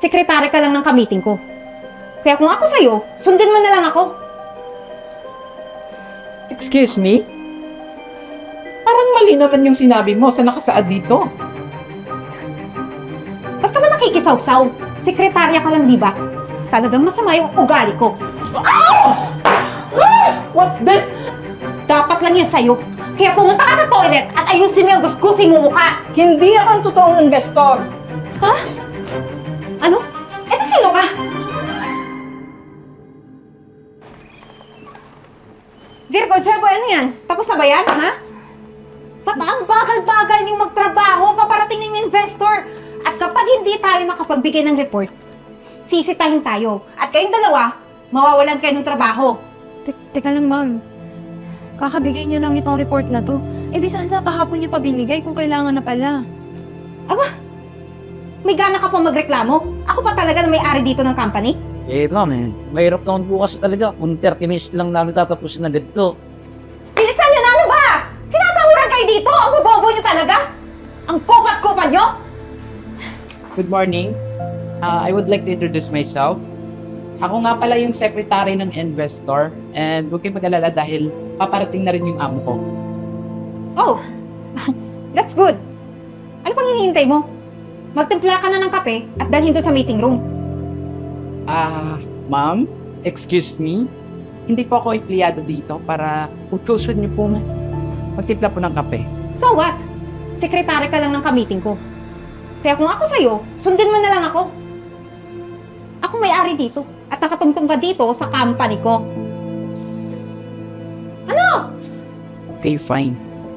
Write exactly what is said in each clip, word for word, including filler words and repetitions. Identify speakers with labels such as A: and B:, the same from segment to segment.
A: sekretary ka lang ng ka-meeting ko. Kaya kung ako sa'yo, sundin mo na lang ako.
B: Excuse me? Parang mali naman yung sinabi mo sa nakasaad dito.
A: Ba't ka ba nakikisawsaw? Sekretarya ka lang, di ba? Talagang masama yung ugali ko.
B: What's this?
A: Dapat lang yan sa'yo. Kaya pumunta ka sa toilet at ayusin mo yung gusgusin mo mukha.
B: Hindi ako ang totoong investor.
A: Ha? Ano? Eto sino ka? Virgo, Chebo, ano yan? Tapos na ba yan, ha? Ba't ang bagal-bagal niyong magtrabaho paparating ng investor? At kapag hindi tayo nakapagbigay ng report, sisitahin tayo. At kayong dalawa, mawawalan kayo ng trabaho.
C: Te- Teka lang, ma'am. Kakabigay niyo lang itong report na to. Eh di saan sa kahapon niyo pa binigay kung kailangan na pala?
A: Aba, may gana ka pa magreklamo? Ako pa talaga na may-ari dito ng company?
D: Eh, ma'am, eh. Mahirap naman bukas talaga. Kung thirty minutes lang namin tatapusin na ganito.
A: Bilisan nyo na, ano ba? Sinasahuran kayo dito? Ang bobobo nyo talaga? Ang kupat-kupat nyo?
B: Good morning. Uh, I would like to introduce myself. Ako nga pala yung secretary ng investor and huwag kayong mag-alala dahil paparating na rin yung amo ko.
A: Oh, that's good. Ano pang hinihintay mo? Magtimpla ka na ng kape at dalhin doon sa meeting room.
B: Ah, ma'am, excuse me. Hindi po ako empleyado dito para utusan niyo po magtimpla po ng kape.
A: So what? Sekretary ka lang ng ka-meeting ko. Kaya kung ako sa'yo, sundin mo na lang ako. Ako may-ari dito at nakatungtong ka dito sa company ko. Ano?
B: Okay, fine.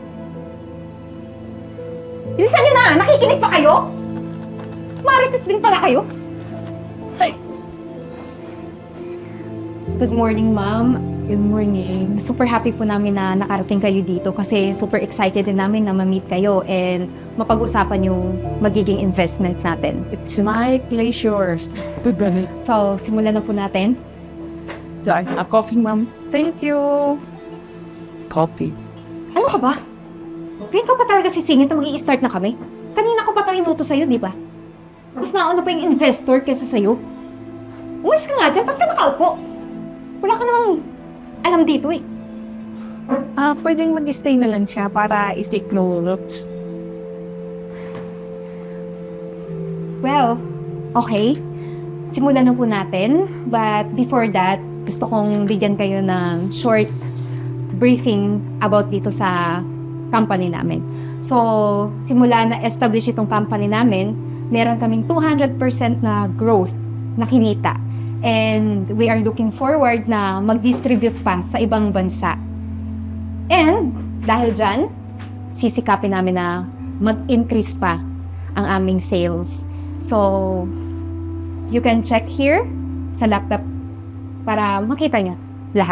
A: Bilisan nyo na! Nakikinig pa kayo? Marites din pala kayo?
C: Good morning, ma'am. Good morning. Super happy po namin na nakarating kayo dito kasi super excited din namin na ma-meet kayo and mapag-usapan yung magiging investment natin.
B: It's my pleasure.
C: So, simulan na po natin.
B: Sorry, a coffee, ma'am.
C: Thank you!
B: Coffee.
A: Ano ka ba? Ngayon ka pa talaga sisingit na mag-i-start na kami? Kanina ko pa ito inuto sa'yo, di ba? Mas nauna pa yung investor kesa sa'yo. Umalis ka nga dyan, ba't ka nakaupo? Wala ka namang alam dito eh.
C: Ah, pwedeng mag-stay na lang siya para i-take notes.
A: Well, okay. Simulan na po natin. But before that, gusto kong bigyan kayo ng short briefing about dito sa company namin. So, simula na establish itong company namin, meron kaming two hundred percent na growth na kinita. And we are looking forward na mag-distribute pa sa ibang bansa. And dahil dyan, sisikapin namin na mag-increase pa ang aming sales. So, you can check here sa laptop para makita niya lahat.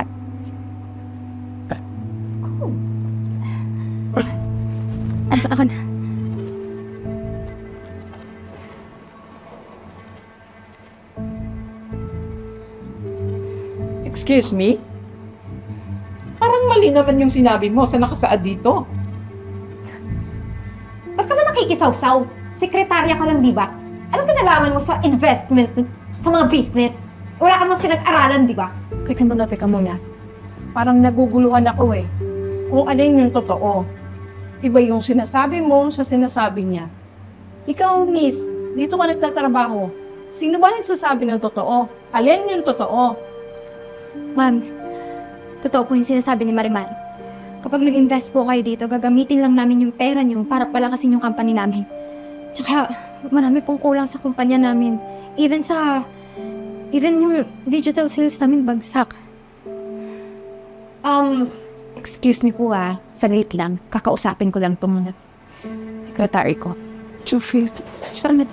C: Ano ako na?
B: Excuse me? Parang mali naman yung sinabi mo sa nakasaad dito.
A: Ba't ka ba nakikisawsaw? Sekretarya ka lang, di ba? Anong pinalaman mo sa investment, sa mga business? Wala ka namang pinag-aralan, di ba?
C: Teka muna, teka muna. Parang naguguluhan ako eh. Kung alin yung totoo. Iba yung sinasabi mo sa sinasabi niya. Ikaw, miss, dito ka nagtatrabaho. Sino ba nagsasabi ng totoo? Alin yung totoo?
E: Ma'am, totoo po yung sinasabi ni Marimar. Kapag nag-invest po kayo dito, gagamitin lang namin yung pera niyo para palakasin yung company namin. Tsaka, marami pong kulang sa kumpanya namin. Even sa... Even yung digital sales namin bagsak.
A: Um,
E: Excuse me po ah, saglit lang. Kakausapin ko lang itong secretary ko.
C: Chufit. Sana.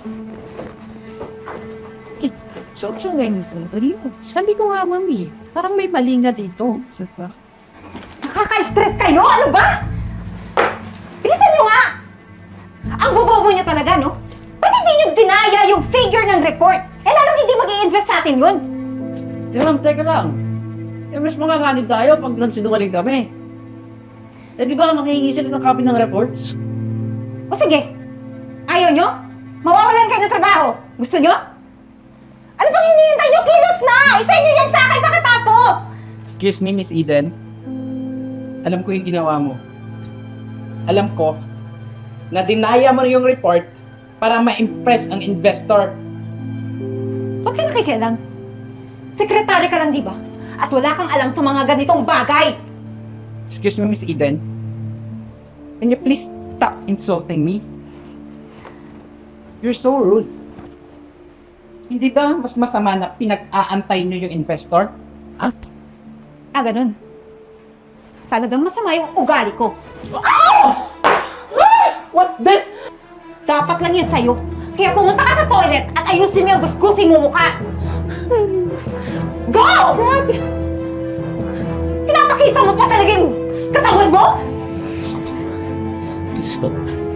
C: So, so ngayon ito. Sabi ko nga, mami, parang may mali nga dito. Diba?
A: nakaka-stress kayo? Ano ba? Bilisan nyo nga! Ang bobobo nyo talaga, no? Ba't hindi nyo dinaya yung figure ng report? Eh, lalong hindi mag-i-invest sa atin yun.
D: Eh, ma'am, teka lang. Eh, mas makakanin tayo pag nansinungaling kami. Eh, di ba makihingi sila ng copy ng reports?
A: O sige, ayaw nyo? Mawawalan kayo ng trabaho. Gusto nyo?
E: pang hinihintay nyo? Kilos na! Isa nyo yan sa akin pagkatapos!
B: Excuse me, Miss Eden. Alam ko yung ginawa mo. Alam ko na dinaya mo yung report para ma-impress ang investor.
E: Huwag ka nakikialam. Sekretary ka lang, di ba? At wala kang alam sa mga ganitong bagay!
B: Excuse me, Miss Eden. Can you please stop insulting me? You're so rude. Hindi ba mas masama na pinag-aantay niyo yung investor? Ah,
E: Ah, ganun. Talagang masama yung ugali ko.
B: what's this?
E: Dapat lang yan sa'yo. Kaya pumunta ka sa toilet at ayusin mo yung gusgusin mo mukha. Go! Pinapakita mo pa talaga yung katawan mo?
D: Stop.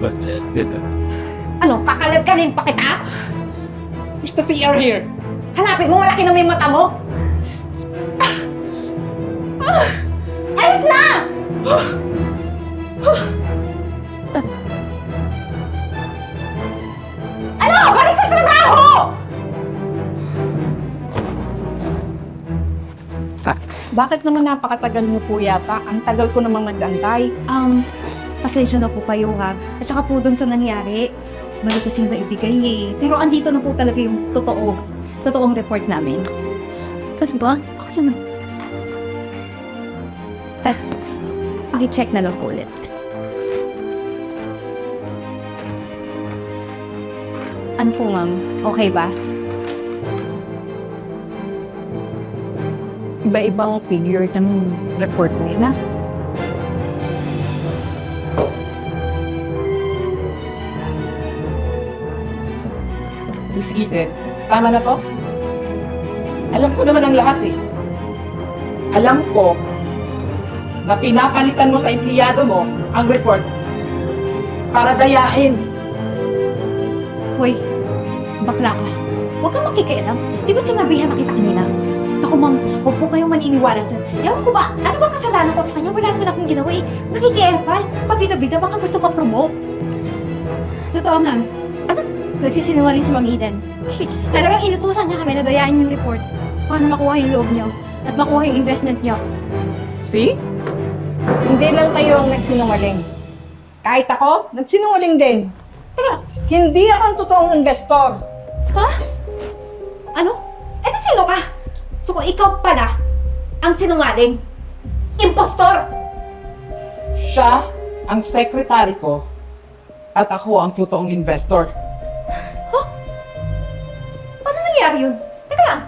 E: Ano, kakalad-kalin pa kita?
B: Mister C R here.
E: Hanapin mo, malaki naman yung mata mo. Ah! Alis na! Ano? Balik sa trabaho!
B: Sa?
C: Bakit naman napakatagal niyo po yata? Ang tagal ko namang nag-antay.
A: Um, pasensya na po kayo ha. At saka po dun sa nangyari, mali kasing na ibigay eh. Pero andito na po talaga yung totoo, totoong report namin. Kasi ba? Okay na. Ah, paki-check na lang po ulit. Ano po ma'am? Okay ba?
C: Iba-ibang figure ng report nila.
B: Miss Eden, tama na to? Alam ko naman ang lahat eh. Alam ko na pinapalitan mo sa empleyado mo ang report para dayain.
A: Hoy, bakla ka. Huwag kang makikialam. Di ba sinabihan na kita kanina? Ako ma'am, huwag po kayong maniniwala dyan. Ewan ko ba, ano ba kasalanan ko sa kanya? Wala naman akong ginawa eh. Nakikiepal. Pabida-bida, baka gusto pa promote. Totoo ma'am. Ano? Nagsisinungaling si Ma'am Eden. Shit. Talagang inutusan niya kami na dayain yung report. Paano makuha yung loob niyo? At makuha yung investment niyo.
B: See?
C: Hindi lang kayo ang nagsinungaling. Kahit ako, nagsinungaling din.
E: Teka,
C: Hindi ako ang totoong investor.
E: ha? Ano? Eh, di sino ka? So, kung ikaw pala ang sinungaling, impostor!
B: Siya ang secretary ko at ako ang totoong investor.
E: Paano nangyari yun? Teka lang,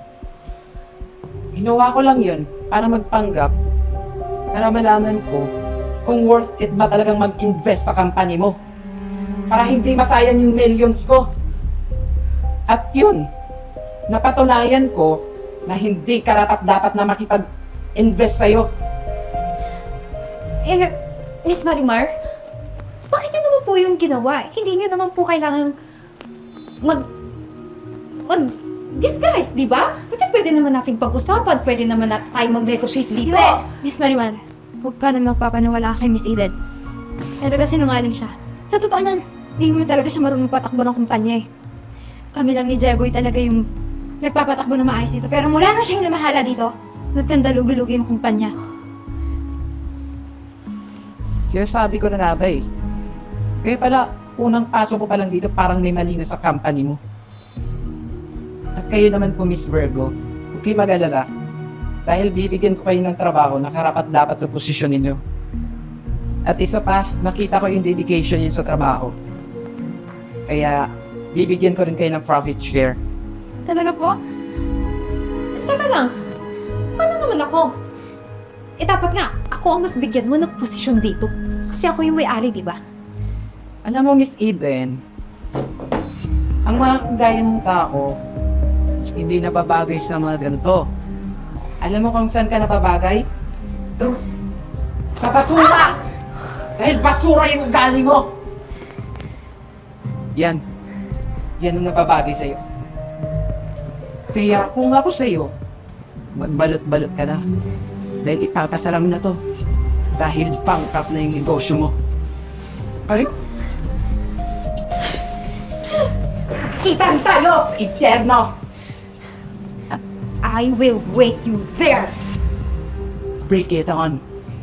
B: Ginawa ko lang yun para magpanggap, para malaman ko kung worth it ba talagang mag-invest sa company mo. Para hindi masayang yung millions ko. At yun, napatunayan ko na hindi karapat-dapat na makipag-invest sa'yo.
A: Eh, Miss Marimar, bakit yun naman po yung ginawa? Hindi niyo naman po kailangan mag... mag... disguise, di ba? Kasi pwede naman natin pag-usapan, pwede naman natin tayo mag-negotiate dito.
E: Hindi! Miss Marimar, huwag ka na magpapaniwala kay Miss Eden. Talaga sinungaling siya. Sa totoo nan, hindi mo talaga siya marunong patakbo ng kumpanya eh. Kami lang ni Jeboy talaga yung nagpapatakbo na maayos dito. Pero mula na siyang namahala dito, nagkandalugi-lugi yung kumpanya.
B: Kaya sabi ko na nga ba eh. Kaya pala, unang pasok ko pa lang dito parang may mali na sa company mo. At kayo naman po, Miss Virgo, huwag kayo mag-alala. Dahil bibigyan ko kayo ng trabaho na karapat-dapat sa posisyon ninyo. At isa pa, nakita ko yung dedication niyo sa trabaho. Kaya, bibigyan ko rin kayo ng profit share.
E: Talaga po?
A: Teka lang, paano naman ako? Eh dapat nga, ako ang mas bigyan mo ng posisyon dito. Kasi ako yung may-ari, di ba?
B: Alam mo, Miss Eden, ang mga kagaya mong tao, hindi nababagay sa mga ganito. Alam mo kung saan ka nababagay? Ito. Sa basura! Dahil basura yung ugali mo! Yan. Yan ang nababagay sa'yo. Kaya kung ako sa'yo, magbalot-balot ka na. Dahil ipapasalam na to. Dahil pangkap na yung negosyo mo. Ay,
E: Kita rin tayo!
B: sa impyerno!
A: I will wait you there.
B: Break it on.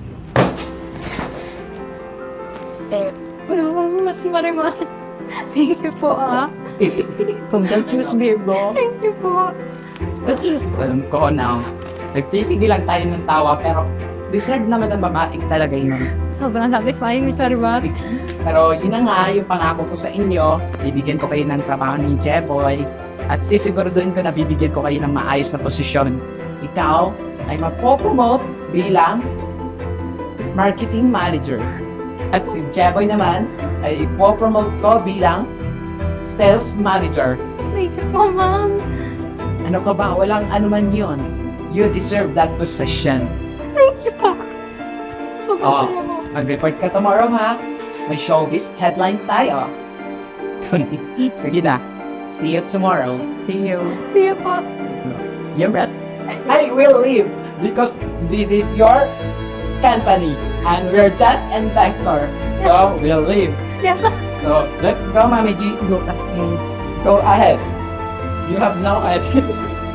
E: Ano, mas Marimar. Thank you po, ah.
C: Congratulations, Virgo.
E: Thank you po.
B: Alam ko now. Nagpipigil lang tayo ng tawa pero deserve naman ng babae talaga yun.
E: Sobrang satisfying, Miss Marimar.
B: Pero yun na nga, yung pangako ko sa inyo, bibigyan ko kayo ng trabaho ni Jeboy at sisiguraduhin ko na bibigyan ko kayo ng maayos na posisyon. Ikaw ay mapopromote bilang marketing manager. At si Jeboy naman ay ipopromote ko bilang sales manager.
E: Thank you po, ma'am.
B: Ano ka ba? Walang anuman yun. You deserve that position.
E: Thank you po. Sobrang
B: Oh.
E: saya mo.
B: Mag-report ka tomorrow, ha? May showbiz headlines tayo. Sige na. See you tomorrow.
C: See you.
E: See you po.
B: You're right. I will leave because this is your company and we're just investor. So we'll leave.
E: Yes, sir.
B: So let's go, Mami G. Go ahead. Go ahead. You have no idea.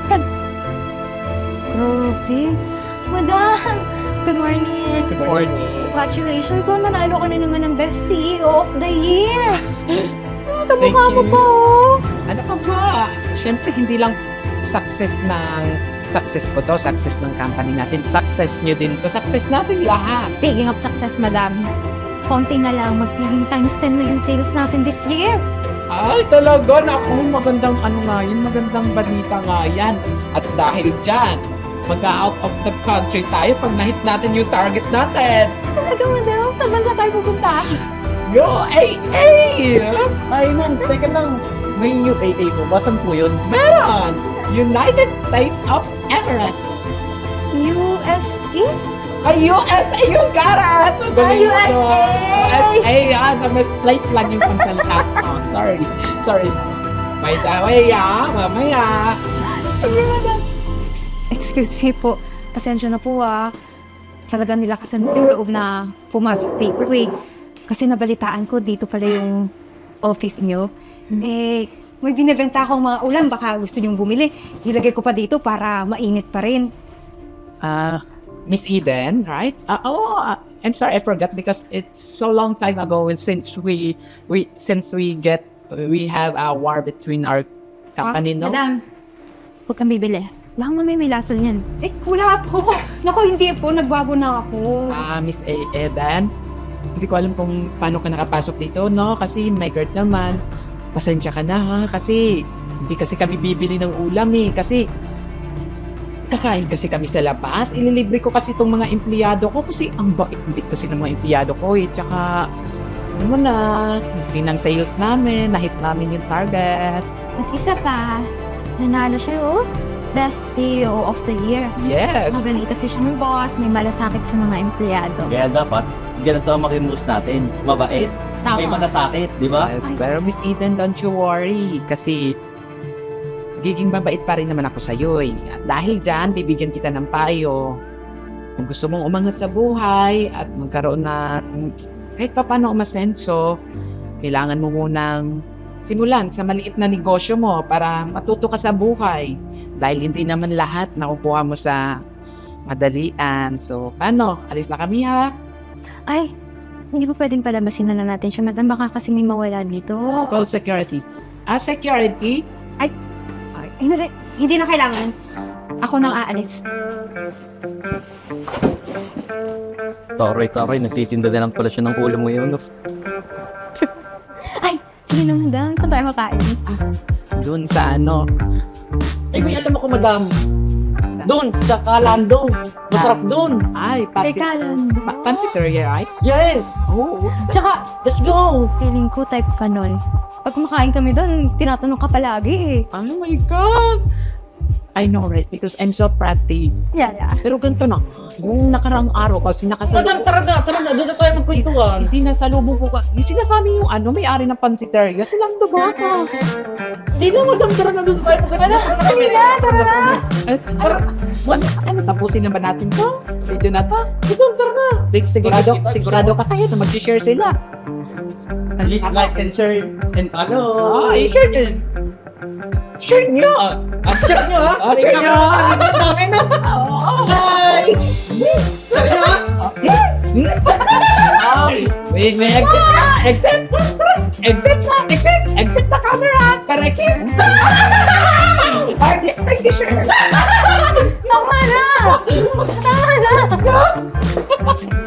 E: Okay. Madam, good morning.
B: Good morning.
E: Congratulations. So, nanalo ka na naman ng Best C E O of the Year. Ah,
B: Thank
E: kamukha mo
B: you.
E: po.
B: Ano ka ba? Siyempre, hindi lang success ng success ko to, success ng company natin, success nyo din to, success natin lahat.
E: Speaking of success, madam, konti na lang, magiging times ten na yung sales natin this year.
B: Ay, talaga, naku, magandang ano nga yun, magandang balita nga yan. At dahil dyan, mag-out of the country tayo pag nahit natin yung target natin.
E: Talaga, madam, saan bansa tayo pupunta?
B: Yo, A A!
D: Ay, ma'am, teka lang. May U A A po. Basan po yun?
B: Meron! United States of Emirates.
E: U S A?
B: Ay, U S A yung karat!
E: Ay, U S A!
B: U S A, ah, na-misplace lang yung pansalita ko. Sorry, sorry. By the way, ah, mamaya.
A: Excuse me po. Pasensya na po ah. Talaga nilakasan ko yung loob na pumasok dito eh. Kasi nabalitaan ko dito pala yung office nyo. Eh, may binibenta akong mga ulam. Baka gusto nyong bumili. Ilagay ko pa dito para mainit pa rin.
B: Ah, Miss Eden, right? Uh, oh, uh, I'm sorry, I forgot because it's so long time ago and since we we since we get we have a war between our company, no?
E: Madam, huwag kang bibili. Baka mamaya may lason yan.
A: Eh, wala po. Naku, hindi po. Nagbago na ako.
B: Ah, Miss E- Eden, hindi ko alam kung paano ka nakapasok dito, no? Kasi my girl naman, pasensya ka na ha, kasi hindi kasi kami bibili ng ulam eh, kasi kakain kasi kami sa labas, ililibre ko kasi itong mga empleyado ko kasi ang bait-bait kasi ng mga empleyado ko eh, tsaka ano mo na, hindi ng sales namin, nahit namin yung target.
E: At isa pa, nanalo siya oh. Best C E O of the Year.
B: Yes!
E: Magaling kasi siya ng boss, may malasakit sa mga empleyado.
D: Kaya dapat, ganito ang makimus natin. Mabait. May
E: Tama.
D: malasakit, di ba?
B: Yes, pero Miss Eden, don't you worry. Kasi, giging mabait pa rin naman ako sa'yo eh. At dahil dyan, bibigyan kita ng payo. Kung gusto mong umangat sa buhay at magkaroon na kahit pa paano umasenso, kailangan mo munang simulan sa maliit na negosyo mo para matuto ka sa buhay. Dahil hindi naman lahat nakukuha mo sa madalian. So, paano? Alis na kami ha?
E: Ay, hindi ba pwedeng palabasin na lang natin siya, madam? Baka kasi may mawala dito.
B: Call security. Ah, security?
A: Ay, hindi, hindi na kailangan. Ako nang aalis.
D: Taray, taray. Nagtitinda na lang pala siya ng ulam ngayon.
E: Ay, sige na, madam. Saan tayo makain?
B: Doon sa ano?
D: Eh, may alam ako, madam. Doon, sa Kalando. Masarap doon.
B: Ay, pati,
E: Teka lang.
B: pa- pansiteria, right?
D: Yes!
B: Oo.
E: Tsaka,
D: Let's go!
E: feeling ko type ka nun. Pag kumakain kami doon, tinatanong ka palagi eh.
B: Oh my God! I know, right? Because I'm so pretty.
E: Yeah, yeah.
B: Pero ganito na, yung nakaraang araw kasi
D: Madam,
B: nakasalubong.
D: tara na, tara na. Doon na tayo magkwentuhan.
B: Hindi nasalubong ko ka. Yung sinasabi yung ano, may-ari ng pansiteria. Silang ba ka?
D: Hindi na, madam. Tara na, doon na tayo magkwentuhan. Tara na,
E: Sige na, tara na!
B: Ay, tara. Ano, ano, tapusin na ba natin to? Video na to?
D: Madam, tara na.
B: Sig sigurado, sigurado ka tayo na mag-share sila.
D: Please like and share and follow.
B: Ah, i-share din. Share nyo!
D: Ah, share nyo ha?
B: Ah, share nyo.
D: Ang dami na! Bye! Share nyo ha?
B: May, may exit na! Exit! Exit na! Exit! Exit na camera! Para exit! Artist like the shirt!
E: Tama na! Tama na!